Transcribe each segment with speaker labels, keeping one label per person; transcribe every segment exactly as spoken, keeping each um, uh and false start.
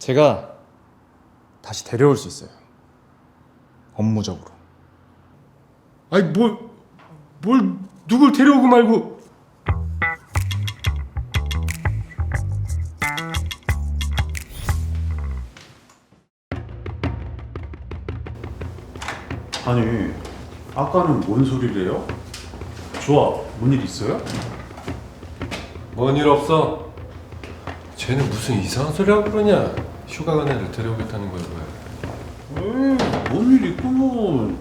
Speaker 1: 제가 다시 데려올 수 있어요. 업무적으로.
Speaker 2: 아니 뭘, 뭘 누굴 데려오고 말고.
Speaker 3: 아니, 아까는 뭔 소리래요? 좋아, 뭔 일 있어요?
Speaker 2: 뭔 일 없어. 쟤는 무슨 이상한 소리 하고 그러냐. 휴가 간 애를 데려오겠다는 거야 뭐야.
Speaker 3: 에이, 뭔 일 있구먼.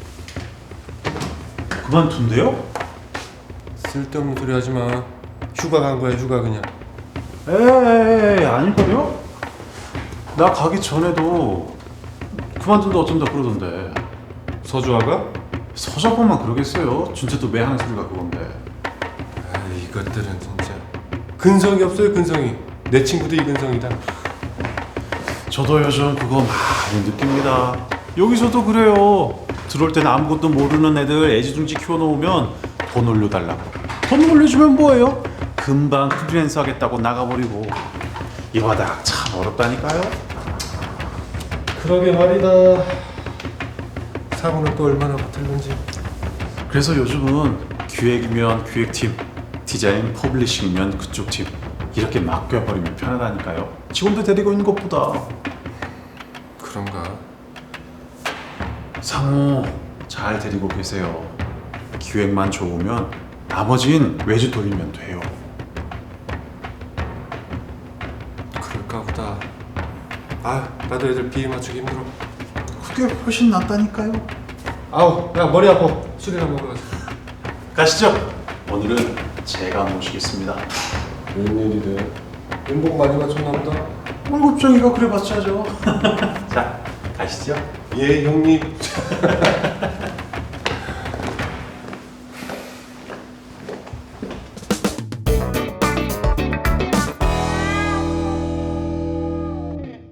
Speaker 3: 그만둔대요?
Speaker 2: 쓸데없는 소리 하지 마. 휴가 간 거야 휴가 그냥.
Speaker 3: 에이, 아닐걸요? 나 가기 전에도 그만둔다 어쩐다 그러던데.
Speaker 2: 서주아가?
Speaker 3: 서자보만 그러겠어요. 진짜 또 매하는 소리가 그건데.
Speaker 2: 아 이것들은 진짜 근성이 없어요 근성이. 내 친구도 이근성이다.
Speaker 3: 저도 요즘 그거 많이 느낍니다. 여기서도 그래요. 들어올 때는 아무것도 모르는 애들 애지중지 키워놓으면 돈 올려달라고. 돈 올려주면 뭐예요? 금방 프리랜서 하겠다고 나가버리고. 이 바닥 참 어렵다니까요.
Speaker 2: 그러게 말이다. 사고는 또 얼마나 붙을는지.
Speaker 3: 그래서 요즘은 기획이면 기획팀, 디자인 퍼블리싱이면 그쪽 팀 이렇게 맡겨버리면 편하다니까요. 직원들 데리고 있는 것보다.
Speaker 2: 그런가?
Speaker 3: 상호 잘 데리고 계세요. 기획만 좋으면 나머진 외주 돌리면 돼요.
Speaker 2: 그럴까 보다. 아 나도 애들 비위 맞추기 힘들어.
Speaker 3: 그게 훨씬 낫다니까요.
Speaker 2: 아우 야 머리 아파. 술이나 먹으러 가자.
Speaker 3: 가시죠. 오늘은 제가 모시겠습니다.
Speaker 2: 웬일이래? 인복 많이 맞췄나 보다.
Speaker 3: 월급쟁이가 그래 봤자죠. 자, 가시죠.
Speaker 2: 예 형님.